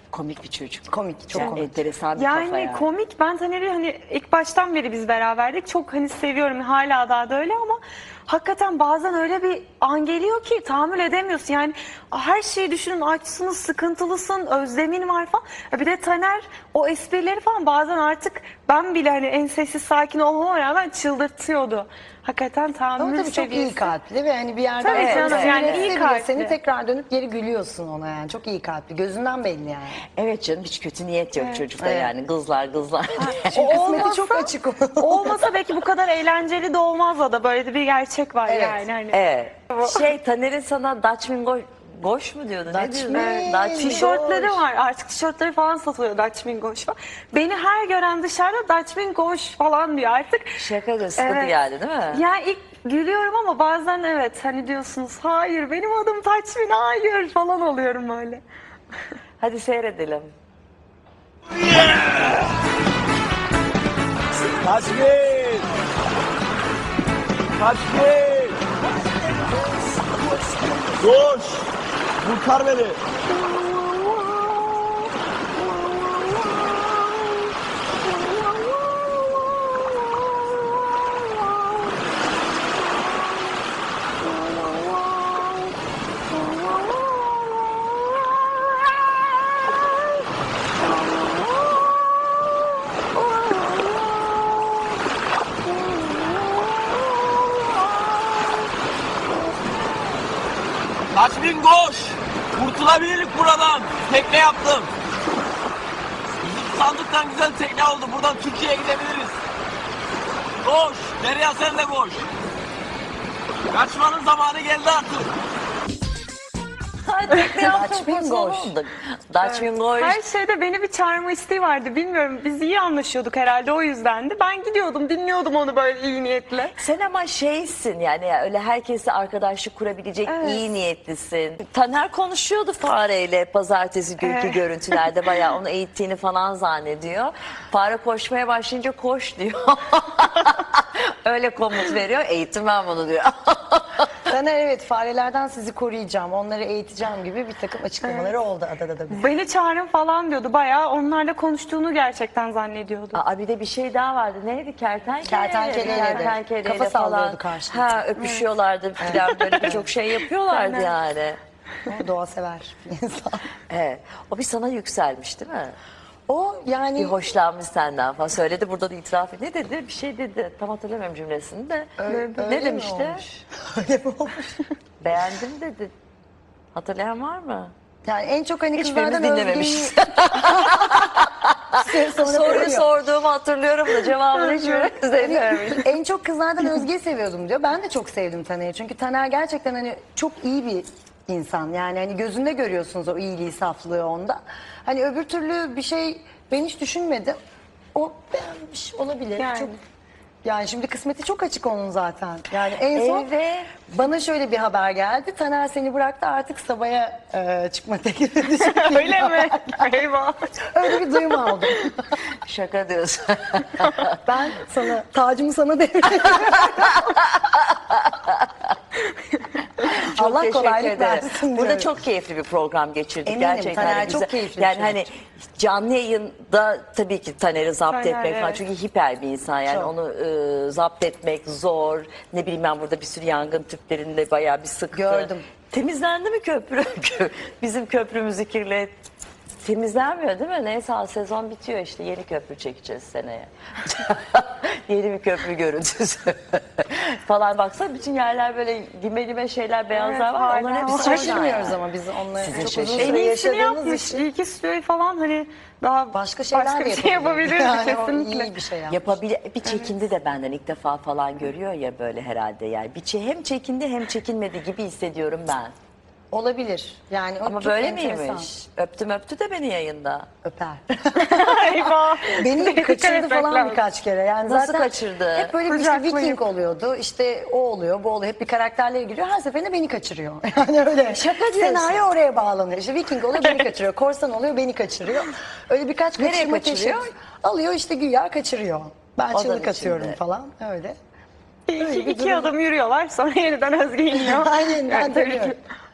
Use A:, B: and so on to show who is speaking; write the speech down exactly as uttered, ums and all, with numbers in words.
A: Komik bir çocuk.
B: Komik, çok
A: Yani
B: komik.
A: enteresan bir
C: Yani,
A: kafa yani.
C: komik. Ben Taner'i hani ilk baştan beri biz beraberdik. Çok hani seviyorum. Hala daha da öyle ama hakikaten bazen öyle bir an geliyor ki tahammül edemiyorsun. Yani her şeyi düşünün, açsın, sıkıntılısın, özlemin var falan. Bir de Taner o esprileri falan bazen artık ben bile hani en sessiz sakin olmama rağmen çıldırtıyordu. Hakikaten tahammül
B: Ama tabii çok iyi
C: seviyesi.
B: kalpli ve hani bir yerden
C: Tabii
B: sonra
A: canım,
B: seni
A: yani
B: etse
C: iyi
B: bile
C: kalpli.
B: Seni tekrar dönüp geri gülüyorsun ona yani. Çok iyi kalpli. Gözünden belli yani.
A: Evet canım, hiç kötü niyet yok
C: Evet.
A: çocukta
B: Evet.
A: yani. Kızlar kızlar.
B: Çünkü kısmeti
C: olmasa-
B: çok açık onun.
C: Olmasa belki bu kadar eğlenceli de olmaz da böyle de bir gerçek var
B: Evet.
C: yani. Hani.
A: Evet. Şey, Taner'in sana Dutchman Goş, Goş mu diyordu? Ne
B: Dutchman.
A: diyordu?
B: Evet.
A: Dutchman
C: Tişörtleri
A: Goş.
C: var. Artık tişörtleri falan satılıyor Dutch Mingoş falan. Beni her gören dışarıda Dutch Mingoş falan diyor artık.
A: Şaka da sıkıntı
C: Evet.
A: geldi değil mi?
C: Yani ilk gülüyorum ama bazen evet hani diyorsunuz hayır benim adım Dutchman hayır falan oluyorum öyle.
A: Hadi seyredelim.
D: Kaçmayın! Kaçmayın! Koş! Kurtar beni! Kaçmayın koş! Kurtulabilirlik buradan! Tekne yaptım! Bizim sandıktan güzel tekne oldu. Buradan Türkiye'ye gidebiliriz. Koş! Derya sen de koş! Kaçmanın zamanı geldi artık.
A: Hadi ne yaptın?
B: Dutchman Goş.
A: Dutchman Goş.
C: Her şeyde beni bir çağırma isteği vardı bilmiyorum biz iyi anlaşıyorduk herhalde o yüzdendi. Ben gidiyordum dinliyordum onu böyle iyi niyetle.
A: Sen ama şeysin yani ya, öyle herkesle arkadaşlık kurabilecek
C: Evet.
A: iyi niyetlisin. Taner konuşuyordu Fare'yle pazartesi günkü
C: Evet.
A: görüntülerde, bayağı onu eğittiğini falan zannediyor. Fare koşmaya başlayınca koş diyor. Öyle komut veriyor, eğitim ben bunu diyor.
B: Taner evet farelerden sizi koruyacağım, onları eğiteceğim gibi bir takım açıklamaları oldu adada da.
C: Beni çağırın falan diyordu bayağı onlarla konuştuğunu gerçekten zannediyordu.
A: Aa, bir de bir şey daha vardı. Neydi? Kertenkele.
B: Kertenkeleyle de.
A: Kertenkeleyle
B: Kafa
A: falan.
B: sallıyordu karşılıklı.
A: Ha, öpüşüyorlardı falan, böyle birçok şey yapıyorlardı
C: Aynen.
A: yani.
B: O doğa sever bir insan.
A: Evet. O bir sana yükselmiş değil mi?
B: O yani
A: Bir hoşlanmış senden falan. Söyledi, burada da itiraf etti. Ne dedi? Bir şey dedi. Tam hatırlamıyorum cümlesini de.
B: Öyle-
A: ne
B: öyle mi
A: demişti?
B: olmuş? Öyle mi olmuş?
A: Beğendim dedi. Hatırlayan var mı?
B: Yani en çok hani
A: Hiçbirimiz
B: kızlardan
A: dinlememişiz.
B: Özge'yi sonra
A: Soruyu
B: koruyor.
A: sorduğumu hatırlıyorum da cevabını hiçbirimiz dinlememiş.
B: En çok kızlardan Özge'yi seviyordum diyor. Ben de çok sevdim Taner'i. Çünkü Taner gerçekten hani çok iyi bir insan. Yani hani gözünde görüyorsunuz o iyiliği, saflığı onda. Hani öbür türlü bir şey ben hiç düşünmedim. O beğenmiş olabilir.
C: Yani.
B: Çok yani şimdi kısmeti çok açık onun zaten. Yani en son
A: Evet.
B: bana şöyle bir haber geldi. Taner seni bıraktı artık Sabah'a e, çıkma teklif edecek.
C: Öyle mi? Eyvah.
B: Öyle bir duyum aldım.
A: Şaka diyorsun.
B: Ben sana tacımı sana devredeyim.
A: Çok
B: Allah
A: teşekkür
B: kolaylık
A: ederim.
B: versin
A: Burada
B: diyorum.
A: çok keyifli bir program geçirdik.
B: Eminim,
A: Gerçekten
B: Taner
A: hani
B: çok
A: güzel-
B: keyifli bir
A: Yani
B: şey
A: hani canlı yayında tabii ki Taner'i zapt
C: Taner,
A: etmek falan.
C: evet.
A: Çünkü hiper bir insan yani,
B: Çok.
A: onu e, zapt etmek zor. Ne bileyim, ben burada bir sürü yangın tüplerinde bayağı bir sıktı.
B: Gördüm.
A: Temizlendi mi köprü? Bizim köprümüzü kirlet. Temizlenmiyor değil mi? Neyse, sezon bitiyor işte. Yeni köprü çekeceğiz seneye. Yeni bir köprü görüntüsü. falan, baksana bütün yerler böyle lime lime şeyler, beyazlar
C: Evet,
A: var.
C: hala
A: Onların
C: var.
A: hepsi orada
B: Şaşırmıyoruz
A: yani.
B: ama biz onları
A: Sizin
B: çok uzun
A: şaşırın.
C: En
B: süre
C: iyisini
B: yaşadığımız
C: yapmış.
B: için
C: İyi ki stüdyoyu falan hani daha
B: başka şeyler
C: başka
B: de
C: bir şey
B: yapabiliriz.
C: yapabilirdi
B: Yani o
C: kesinlikle.
B: iyi bir şey yapmış.
A: Yapabilir. Bir çekindi de benden ilk defa falan görüyor ya böyle herhalde yani. Bir çe- hem çekindi hem çekinmedi gibi hissediyorum ben.
B: Olabilir. Yani o
A: Ama
B: çok
A: böyle
B: enteresan.
A: miymiş? Öptüm öptü de beni yayında.
B: Öper.
C: Eyvah.
B: Beni
C: Dikkat
B: kaçırdı
C: etmek
B: falan
C: lazım.
B: birkaç kere. Yani
A: Nasıl
B: zaten
A: kaçırdı?
B: hep böyle bir işte
C: Kucaklayıp.
B: Viking oluyordu. İşte o oluyor, bu oluyor. Hep bir karakterlere giriyor. Her seferinde beni kaçırıyor. Yani öyle.
A: Şaka diyorsun.
B: Senaryo oraya bağlanıyor. İşte Viking oluyor, beni kaçırıyor. Korsan oluyor, beni kaçırıyor. Öyle birkaç
A: Nereye
B: kaçırma
A: kaçırıyor?
B: teşebbüs- Alıyor işte güya kaçırıyor. Ben
A: Odanın
B: çığlık atıyorum
A: içinde.
B: falan. Öyle.
C: İki,
B: Öyle bir
C: iki
B: durum.
C: adım yürüyorlar sonra yeniden Özge iniyor.
B: Aynen ben
C: Yani tabii ki
B: dönüyorum.